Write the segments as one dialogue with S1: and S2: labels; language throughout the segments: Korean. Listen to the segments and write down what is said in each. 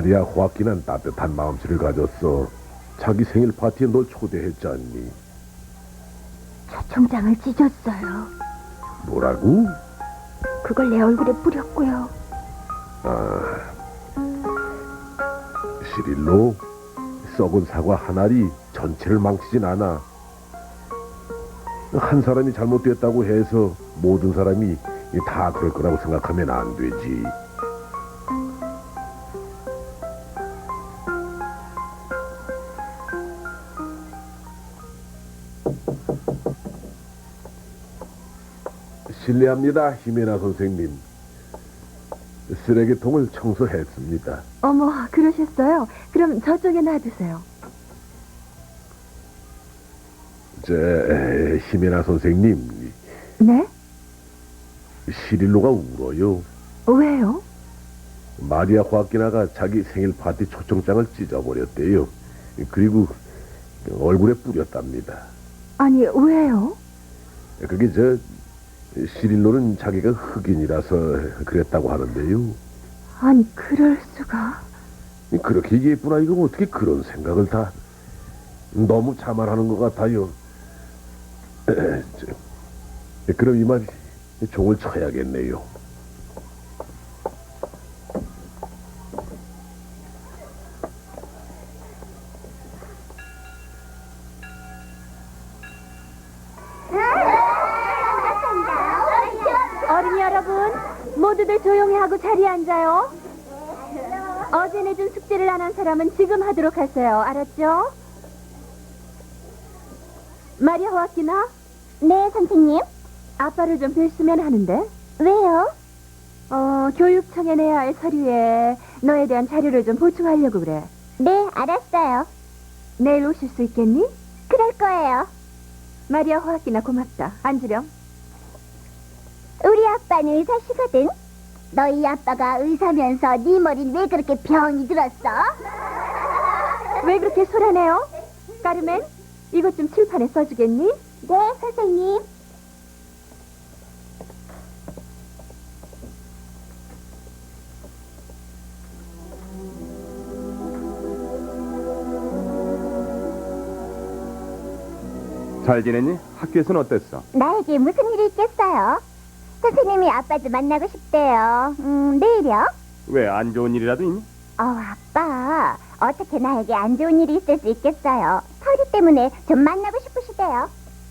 S1: 마리아 호아키는 따뜻한 마음씨를 가졌어. 자기 생일 파티에 널 초대했지 않니?
S2: 초청장을 찢었어요.
S1: 뭐라고?
S2: 그걸 내 얼굴에 뿌렸고요.
S1: 시릴로, 썩은 사과 한 알이 전체를 망치진 않아. 한 사람이 잘못됐다고 해서 모든 사람이 다 그럴 거라고 생각하면 안 되지. 실례합니다, 히메나 선생님. 쓰레기통을 청소했습니다.
S2: 어머, 그러셨어요? 그럼 저쪽에 놔두세요.
S1: 히메나 선생님,
S2: 네?
S1: 시릴로가 울어요.
S2: 왜요?
S1: 마리아 호아키나가 자기 생일 파티 초청장을 찢어버렸대요. 그리고 얼굴에 뿌렸답니다.
S2: 아니, 왜요?
S1: 그게 시릴로는 자기가 흑인이라서 그랬다고 하는데요.
S2: 아니, 그럴 수가.
S1: 그렇게 예쁜 아이가 어떻게 그런 생각을 다. 너무 자만하는 것 같아요. 그럼 이만 종을 쳐야겠네요.
S2: 어린이 여러분, 모두들 조용히 하고 자리에 앉아요. 어제 내준 숙제를 안 한 사람은 지금 하도록 하세요. 알았죠? 마리아 호아키나? 네, 선생님. 아빠를 좀 뵀으면 하는데. 왜요? 교육청에 내야 할 서류에 너에 대한 자료를 좀 보충하려고 그래. 네, 알았어요. 내일 오실 수 있겠니? 그럴 거예요. 마리아 호아키나 고맙다. 앉으렴.
S3: 우리 아빠는 의사시거든. 너희 아빠가 의사면서 네 머리는 왜 그렇게 병이 들었어?
S2: 왜 그렇게 소란해요? 까르멘, 이것 좀 칠판에 써주겠니?
S3: 네, 선생님.
S4: 잘 지냈니? 학교에서는 어땠어?
S3: 나에게 무슨 일이 있겠어요? 선생님이 아빠 좀 만나고 싶대요. 내일이요?
S4: 왜 안 좋은 일이라도 있니?
S3: 아빠. 어떻게 나에게 안 좋은 일이 있을 수 있겠어요? 서류 때문에 좀 만나고 싶으시대요.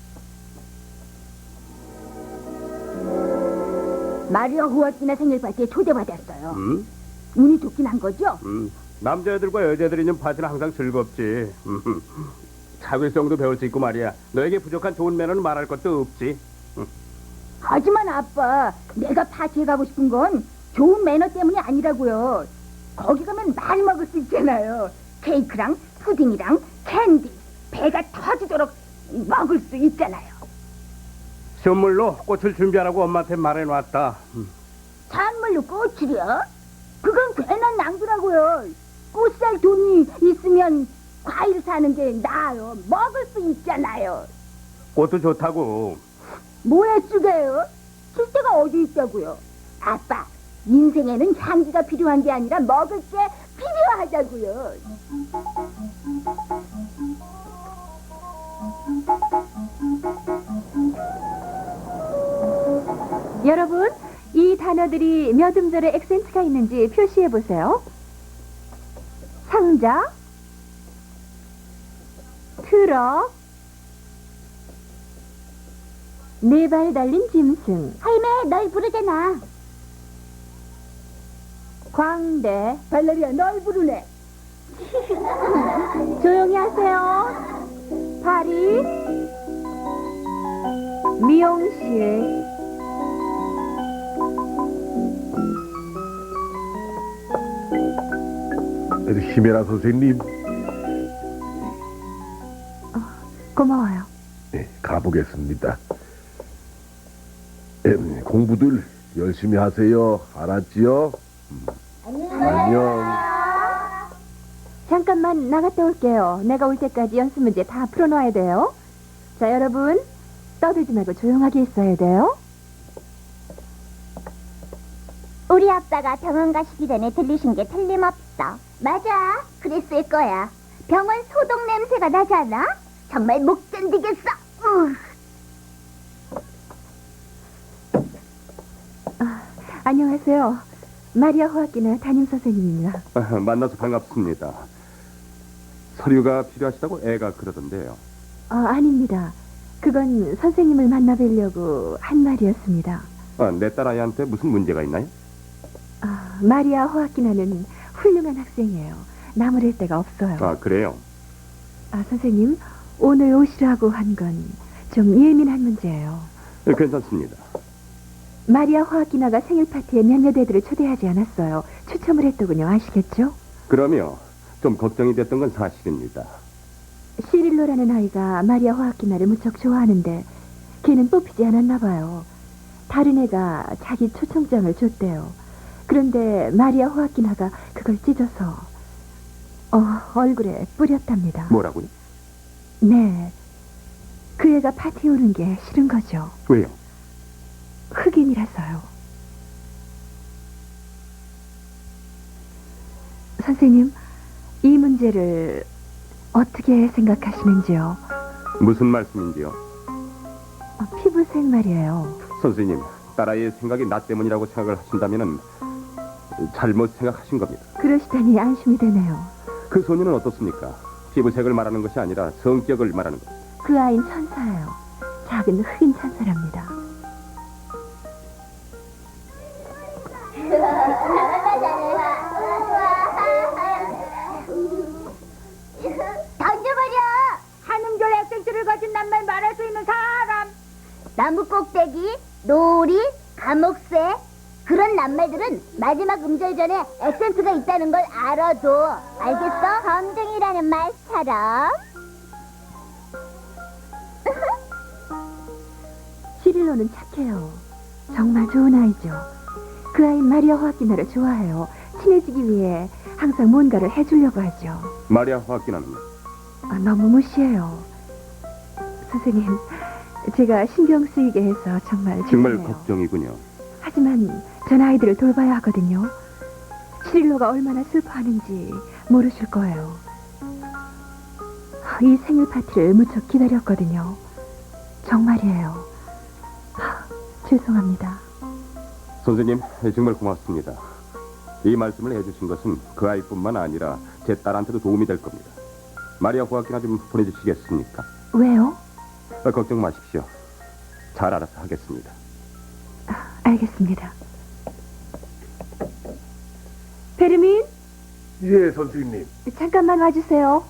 S2: 마리아 호아키나 생일 파티에 초대받았어요. 운이 좋긴 한 거죠?
S4: 남자애들과 여자애들이 있는 파티는 항상 즐겁지. 차별성도 배울 수 있고 말이야. 너에게 부족한 좋은 매너는 말할 것도 없지.
S2: 하지만 아빠, 내가 파티에 가고 싶은 건 좋은 매너 때문이 아니라고요. 거기 가면 많이 먹을 수 있잖아요. 케이크랑 푸딩이랑 캔디, 배가 터지도록 먹을 수 있잖아요.
S4: 선물로 꽃을 준비하라고 엄마한테 말해놨다.
S2: 선물로 꽃이요? 그건 괜한 낭비라고요. 꽃 살 돈이 있으면 과일 사는 게 나아요. 먹을 수 있잖아요.
S4: 꽃도 좋다고.
S2: 뭐에 쓰게요? 쓸 데가 어디 있다고요? 아빠, 인생에는 향기가 필요한 게 아니라 먹을 게 필요하다고요. 여러분, 이 단어들이 몇 음절의 액센트가 있는지 표시해 보세요. 상자, 트럭, 네 발 달린 짐승,
S3: 할매, 널 부르잖아.
S2: 광대. 발레리아, 널 부르네. 조용히 하세요. 파리, 미용실,
S1: 히메나 선생님,
S2: 고마워요.
S1: 네, 가보겠습니다. 공부들 열심히 하세요. 알았지요? 안녕.
S2: 잠깐만 나갔다 올게요. 내가 올 때까지 연습 문제 다 풀어놔야 돼요. 자, 여러분, 떠들지 말고 조용하게 있어야 돼요.
S3: 우리 아빠가 병원 가시기 전에 들리신 게 틀림없어. 있었어. 맞아, 그랬을 거야. 병원 소독 냄새가 나잖아. 정말 못 견디겠어.
S2: 안녕하세요. 마리아 호아키나 담임 선생님입니다.
S4: 만나서 반갑습니다. 서류가 필요하시다고 애가 그러던데요.
S2: 아닙니다. 그건 선생님을 만나 뵈려고 한 말이었습니다.
S4: 내 딸아이한테 무슨 문제가 있나요?
S2: 마리아 호아키나는 훌륭한 학생이에요. 나무랄 데가 없어요.
S4: 그래요?
S2: 선생님, 오늘 오시라고 한 건 좀 예민한 문제예요.
S4: 괜찮습니다.
S2: 마리아 호아키나가 생일 파티에 몇몇 애들을 초대하지 않았어요. 추첨을 했더군요. 아시겠죠?
S4: 그러면 좀 걱정이 됐던 건 사실입니다.
S2: 시릴로라는 아이가 마리아 호아키나를 무척 좋아하는데 걔는 뽑히지 않았나 봐요. 다른 애가 자기 초청장을 줬대요. 그런데 마리아 호아키나가 그걸 찢어서 얼굴에 뿌렸답니다.
S4: 뭐라고요?
S2: 네. 그 애가 파티에 오는 게 싫은 거죠.
S4: 왜요?
S2: 흑인이라서요. 선생님, 이 문제를 어떻게 생각하시는지요?
S4: 무슨 말씀인지요?
S2: 피부색 말이에요.
S4: 선생님, 딸아이의 생각이 나 때문이라고 생각을 하신다면 잘못 생각하신 겁니다.
S2: 그러시다니 안심이 되네요.
S4: 그 소녀는 어떻습니까? 피부색을 말하는 것이 아니라 성격을 말하는 것.
S2: 그 아이는 천사예요. 작은 흑인 천사랍니다.
S3: 던져버려! 한음절 학생들을 가진 낱말 말할 수 있는 사람! 나무 꼭대기, 놀이, 감옥새 그런 낱말들은 마지막 음절 전에 액센트가 있다는 걸 알아도 알겠어? 검둥이라는 말처럼.
S2: 시릴로는 착해요. 정말 좋은 아이죠. 그 아이 마리아 호아키나를 좋아해요. 친해지기 위해 항상 뭔가를 해주려고 하죠.
S4: 마리아 호아키나는
S2: 너무 무시해요. 선생님, 제가 신경 쓰이게 해서 정말 죄송해요.
S4: 걱정이군요.
S2: 하지만 전 아이들을 돌봐야 하거든요. 시릴로가 얼마나 슬퍼하는지 모르실 거예요. 이 생일 파티를 무척 기다렸거든요. 정말이에요. 죄송합니다.
S4: 선생님, 정말 고맙습니다. 이 말씀을 해주신 것은 그 아이뿐만 아니라 제 딸한테도 도움이 될 겁니다. 마리아 호아키나 좀 보내주시겠습니까?
S2: 왜요?
S4: 걱정 마십시오. 잘 알아서 하겠습니다.
S2: 알겠습니다. 베르민,
S1: 예, 선생님.
S2: 잠깐만 와주세요.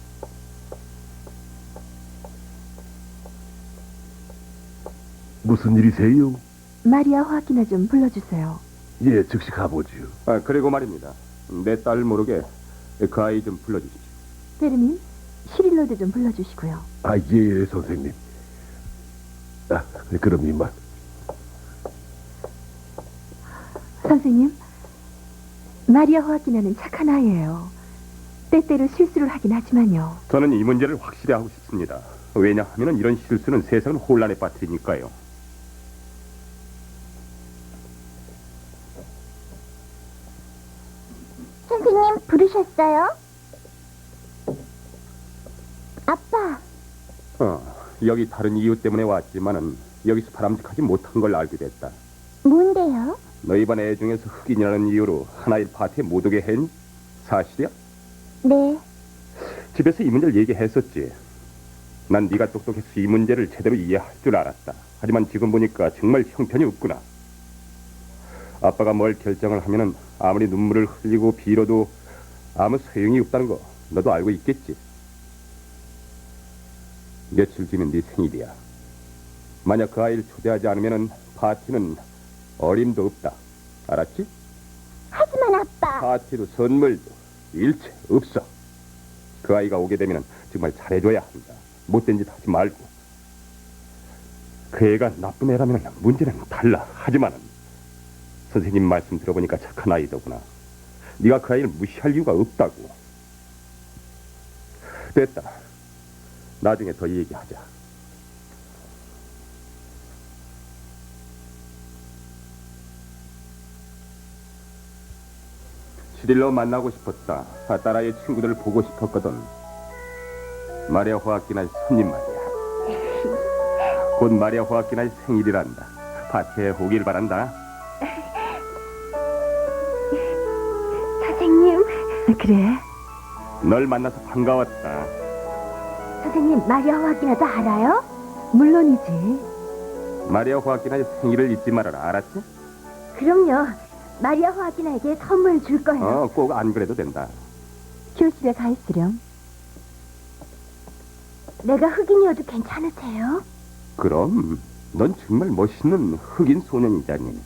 S1: 무슨 일이세요?
S2: 마리아 호아키나 좀 불러주세요.
S1: 예, 즉시 가보지요.
S4: 그리고 말입니다. 내 딸 모르게 그 아이 좀 불러주십시오.
S2: 베르민, 시릴로도 좀 불러주시고요.
S1: 예, 선생님. 그럼 이만.
S2: 선생님, 마리아 호아키나는 착한 아이예요. 때때로 실수를 하긴 하지만요.
S4: 저는 이 문제를 확실히 하고 싶습니다. 왜냐하면 이런 실수는 세상을 혼란에 빠뜨리니까요.
S3: 선생님 부르셨어요? 아빠.
S4: 여기 다른 이유 때문에 왔지만은 여기서 바람직하지 못한 걸 알게 됐다.
S3: 뭔데요?
S4: 너희 반 애 중에서 흑인이라는 이유로 하나의 파티에 못 오게 한 사실이야?
S3: 네.
S4: 집에서 이 문제를 얘기했었지. 난 네가 똑똑해서 이 문제를 제대로 이해할 줄 알았다. 하지만 지금 보니까 정말 형편이 없구나. 아빠가 뭘 결정을 하면은 아무리 눈물을 흘리고 빌어도 아무 소용이 없다는 거 너도 알고 있겠지. 며칠 뒤면 네 생일이야. 만약 그 아이를 초대하지 않으면은 파티는 어림도 없다. 알았지?
S3: 하지만 아빠.
S4: 파티도 선물도 일체 없어. 그 아이가 오게 되면 정말 잘해줘야 한다. 못된 짓 하지 말고. 그 애가 나쁜 애라면 문제는 달라. 하지만은 선생님 말씀 들어보니까 착한 아이더구나. 네가 그 아이를 무시할 이유가 없다고. 됐다. 나중에 더 얘기하자. 시릴로 만나고 싶었다. 딸아이의 친구들을 보고 싶었거든. 마리아 호아키나의 손님 말이야. 곧 마리아 호아키나의 생일이란다. 파티에 오길 바란다.
S2: 선생님. 그래.
S4: 널 만나서 반가웠다.
S2: 선생님, 마리아 호아키나도 알아요? 물론이지.
S4: 마리아 호아키나의 생일을 잊지 말아라. 알았지?
S2: 그럼요. 마리아 호아키나에게 선물 줄 거예요.
S4: 꼭 안 그래도 된다.
S2: 교실에 가 있으렴. 내가 흑인이어도 괜찮으세요?
S4: 그럼 넌 정말 멋있는 흑인 소년이자니.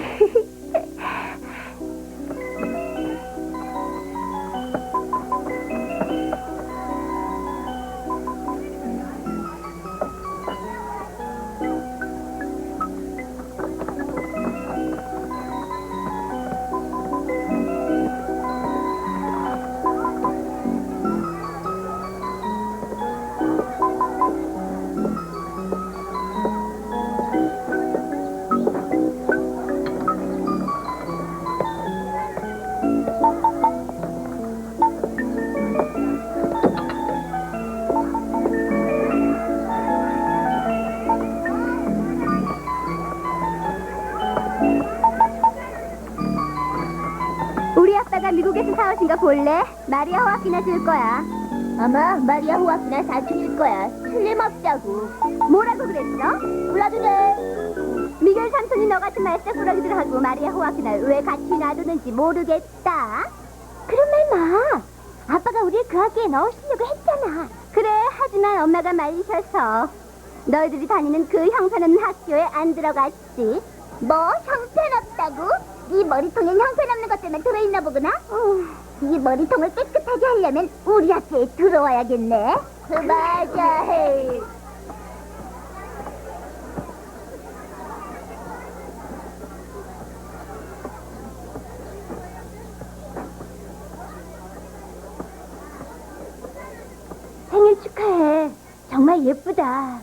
S3: 우리 아빠가 미국에서 사오신 거 볼래? 마리아 호아키나 줄 거야. 아마 마리아 호아키나 사춘일 거야. 틀림없다고. 뭐라고 그랬어? 몰라도 돼. 미겔 삼촌이 너 같은 말썽꾸러기들하고 마리아 호아키나를 왜 같이 놔두는지 모르겠다. 그런 말 마. 아빠가 우리를 그 학교에 넣으시려고 했잖아. 그래, 하지만 엄마가 말리셔서 너희들이 다니는 그 형편없는 학교에 안 들어갔지. 뭐 형편없다고? 네 머리통엔 형편없는 것들만 들어있나 보구나? 네 머리통을 깨끗하게 하려면 우리 학교에 들어와야겠네. 맞아. 헤이.
S2: 생일 축하해. 정말 예쁘다.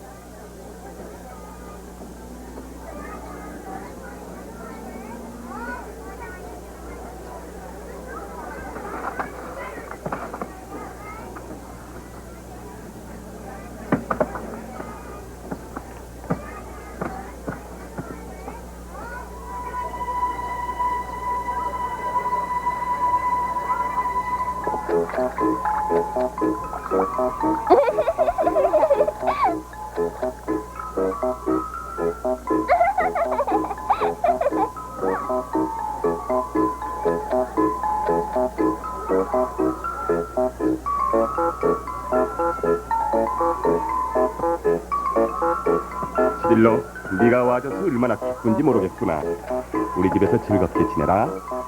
S4: 시릴로, 네가 와줘서 얼마나 기쁜지 모르겠구나. 우리 집에서 즐겁게 지내라.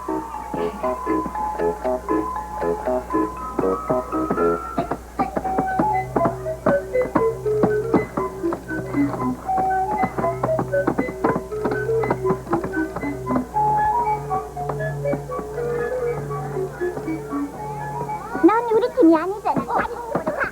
S3: 넌 우리 팀이 아니잖아. 다리 집으로 가.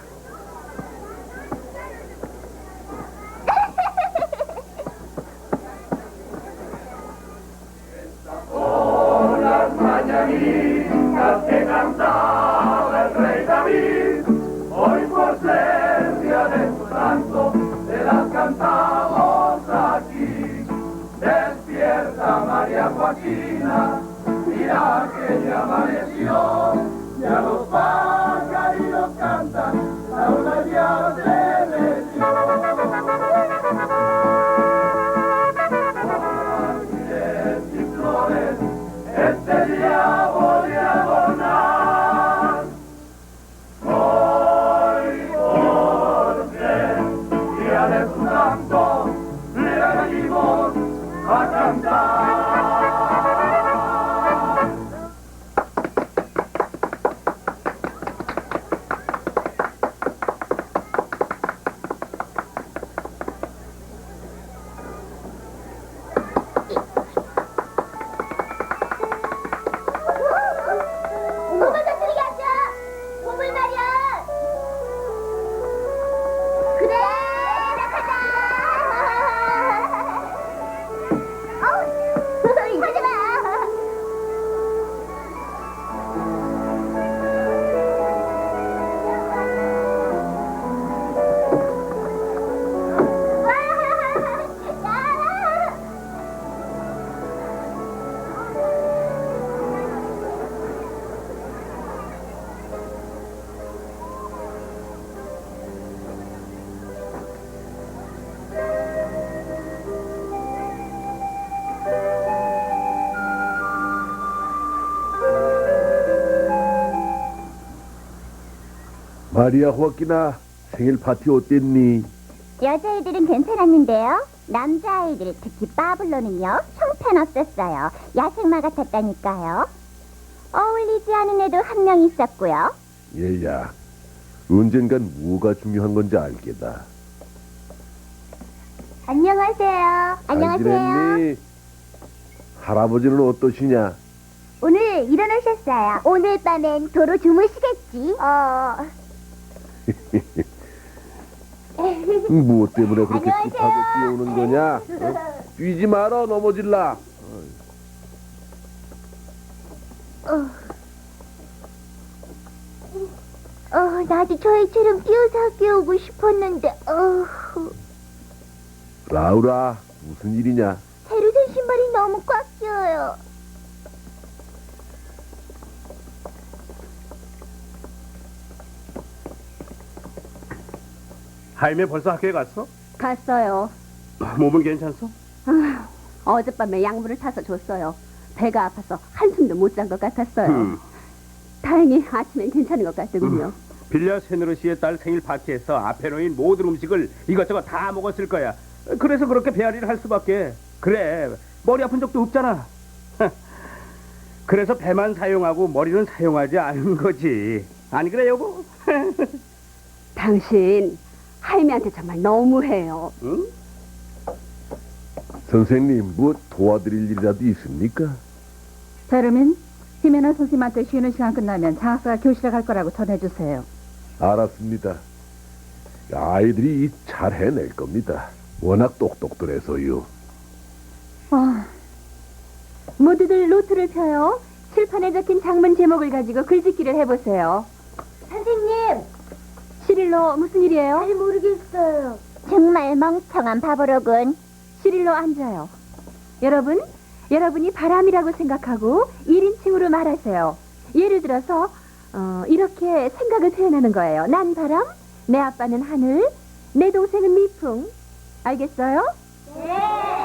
S3: 몸을 터뜨리게 하자. 몸을 말이야. 그래, 시작하자. 하지 마.
S1: 마리아 호아끼나 생일 파티 어땠니?
S3: 여자애들은 괜찮았는데요. 남자아이들, 특히 파블로는요, 형편없었어요. 야생마 같았다니까요. 어울리지 않은 애도 한 명 있었고요.
S1: 얘야, 언젠간 뭐가 중요한 건지 알겠다.
S3: 안녕하세요.
S1: 잘 지냈니? 할아버지는 어떠시냐?
S3: 오늘 일어나셨어요. 오늘 밤엔 도로 주무시겠지?
S1: 무엇 때문에 그렇게
S3: 안녕하세요.
S1: 급하게 뛰어오는 거냐? 뛰지 마라, 넘어질라.
S3: 나도 저희처럼 뛰어서 학교 오고 싶었는데,
S1: 라우라, 무슨 일이냐?
S3: 새로 산 신발이 너무 꽉 껴요.
S4: 하임이 벌써 학교에 갔어?
S2: 갔어요.
S4: 몸은 괜찮소?
S2: 어젯밤에 약물을 타서 줬어요. 배가 아파서 한숨도 못 잔 것 같았어요. 다행히 아침엔 괜찮은 것 같더군요.
S4: 빌려 세누르 씨의 딸 생일 파티에서 앞에 놓인 모든 음식을 이것저것 다 먹었을 거야. 그래서 그렇게 배앓이를 할 수밖에. 그래, 머리 아픈 적도 없잖아. 그래서 배만 사용하고 머리는 사용하지 않은 거지. 아니 그래 여보?
S2: 당신 하임이한테 정말 너무해요.
S4: 응?
S1: 선생님, 뭐 도와드릴 일이라도 있습니까?
S2: 베르민, 히메나 선생님한테 쉬는 시간 끝나면 장학사가 교실에 갈 거라고 전해주세요.
S1: 알았습니다. 아이들이 잘 해낼 겁니다. 워낙 똑똑들해서요.
S2: 모두들 노트를 펴요. 칠판에 적힌 장문 제목을 가지고 글짓기를 해보세요.
S3: 선생님,
S2: 시릴로 무슨 일이에요?
S3: 잘 모르겠어요. 정말 멍청한 바보로군.
S2: 시릴로 앉아요. 여러분이 바람이라고 생각하고 1인칭으로 말하세요. 예를 들어서 이렇게 생각을 표현하는 거예요. 난 바람, 내 아빠는 하늘, 내 동생은 미풍. 알겠어요?
S3: 네.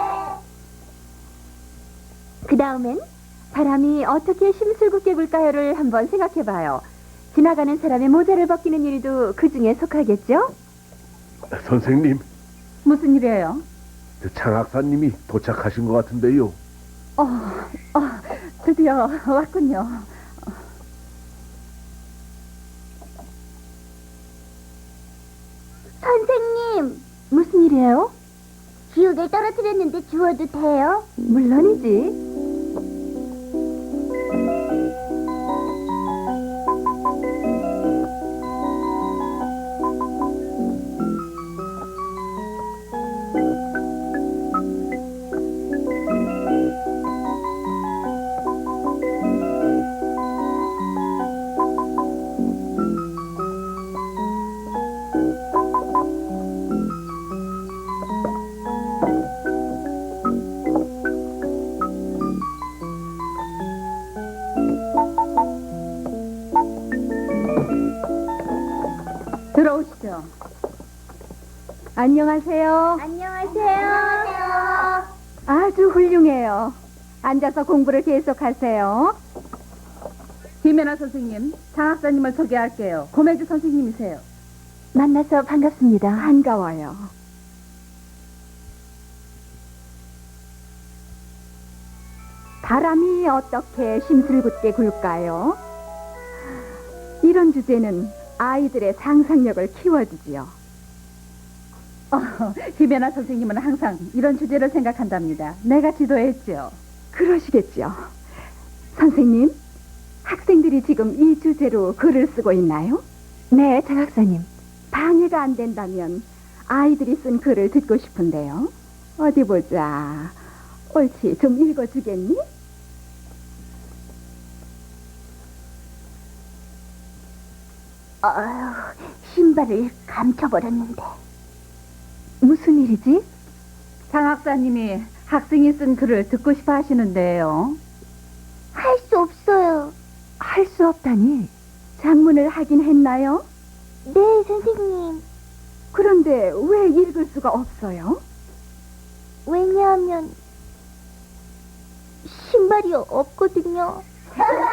S2: 그 다음엔 바람이 어떻게 심술궂게 굴까요를 한번 생각해봐요. 지나가는 사람의 모자를 벗기는 일도 그 중에 속하겠죠?
S1: 선생님,
S2: 무슨 일이에요?
S1: 저 장학사님이 도착하신 것 같은데요.
S2: 드디어 왔군요.
S3: 선생님,
S2: 무슨 일이에요?
S3: 기억을 떨어뜨렸는데 주워도 돼요?
S2: 물론이지. 들어오시죠. 안녕하세요.
S3: 안녕하세요.
S2: 아주 훌륭해요. 앉아서 공부를 계속하세요. 김연아 선생님, 장학사님을 소개할게요. 고매주 선생님이세요. 만나서 반갑습니다. 반가워요. 바람이 어떻게 심술궂게 굴까요? 이런 주제는 아이들의 상상력을 키워주지요. 김연아 선생님은 항상 이런 주제를 생각한답니다. 내가 지도했죠. 그러시겠죠. 선생님, 학생들이 지금 이 주제로 글을 쓰고 있나요? 네, 장학사님. 방해가 안 된다면 아이들이 쓴 글을 듣고 싶은데요. 어디 보자. 옳지, 좀 읽어주겠니?
S3: 신발을 감춰버렸는데.
S2: 무슨 일이지? 장학사님이 학생이 쓴 글을 듣고 싶어 하시는데요.
S3: 할 수 없어요.
S2: 할 수 없다니. 장문을 하긴 했나요?
S3: 네, 선생님.
S2: 그런데 왜 읽을 수가 없어요?
S3: 왜냐하면 신발이 없거든요.